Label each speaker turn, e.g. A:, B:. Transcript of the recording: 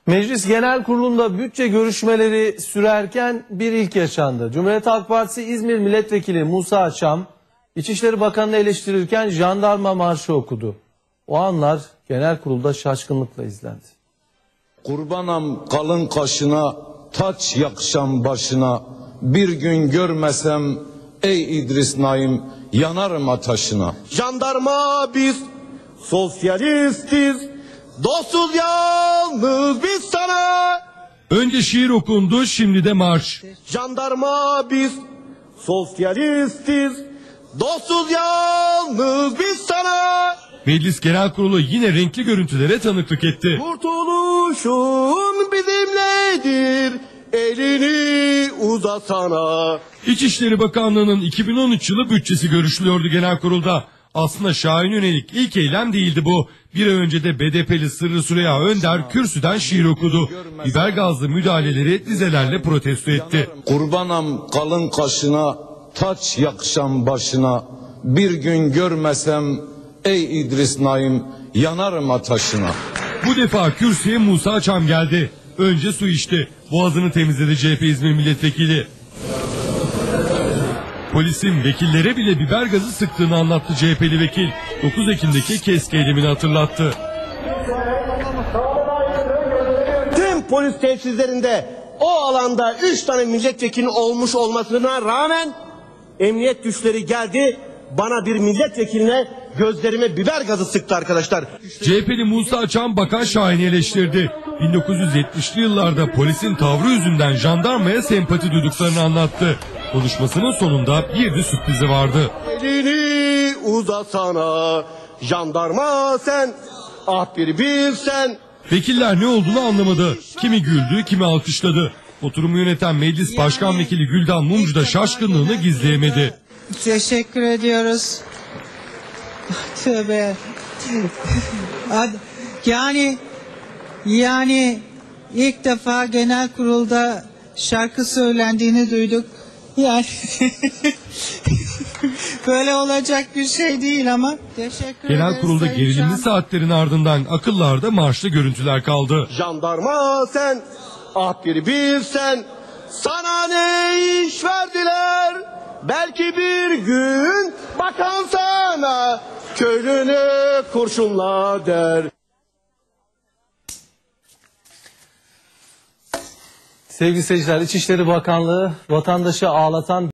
A: Meclis Genel Kurulu'nda bütçe görüşmeleri sürerken bir ilk yaşandı. Cumhuriyet Halk Partisi İzmir Milletvekili Musa Çam, İçişleri Bakanı'nı eleştirirken jandarma marşı okudu. O anlar genel kurulda şaşkınlıkla izlendi.
B: Kurbanam kalın kaşına, taç yakşam başına, bir gün görmesem ey İdris Naim yanarım ateşine.
C: Jandarma biz sosyalistiz, dostuz yalnız biz sana.
D: Önce şiir okundu, şimdi de marş.
C: Jandarma biz sosyalistiz, dostuz yalnız biz sana.
D: Meclis Genel Kurulu yine renkli görüntülere tanıklık etti.
C: Kurtuluşun bizimledir, elini uzasana.
D: İçişleri Bakanlığı'nın 2013 yılı bütçesi görüşülüyordu genel kurulda. Aslında Şahin'e yönelik ilk eylem değildi bu. Bir ay önce de BDP'li Sırrı Süreyya Önder kürsüden şiir okudu. Biber gazlı müdahaleleri dizelerle protesto etti.
B: Kurbanam kalın kaşına, taç yakşam başına, bir gün görmesem ey İdris Naim yanarım ateşine.
D: Bu defa kürsüye Musa Çam geldi. Önce su içti. Boğazını temizledi CHP İzmir Milletvekili. Polisin vekillere bile biber gazı sıktığını anlattı CHP'li vekil. 9 Ekim'deki KESK eylemini hatırlattı.
C: Tüm polis tesislerinde o alanda 3 tane milletvekili olmuş olmasına rağmen emniyet güçleri geldi, bana bir milletvekiline gözlerime biber gazı sıktı arkadaşlar.
D: CHP'li Musa Çam Bakan Şahin'i eleştirdi. 1970'li yıllarda polisin tavrı yüzünden jandarmaya sempati duyduklarını anlattı. Konuşmasının sonunda bir de sürprizi vardı.
C: Elini uzasana jandarma sen, ah bir bilsen.
D: Vekiller ne olduğunu anlamadı. Kimi güldü, kimi alkışladı. Oturumu yöneten Meclis Başkan Vekili Güldan Mumcu da şaşkınlığını gizleyemedi.
E: Teşekkür ediyoruz. Tövbe. Yani ilk defa genel kurulda şarkı söylendiğini duyduk. Yani böyle olacak bir şey değil ama teşekkür
D: Genel
E: ederiz.
D: kurulda gerilimli saatlerin ardından akıllarda marşlı görüntüler kaldı.
C: Jandarma sen, ah bir bilsen, sana ne iş verdiler? Belki bir gün bakan sana köylünü kurşunla der.
A: Sevgili seyirciler, İçişleri Bakanlığı vatandaşı ağlatan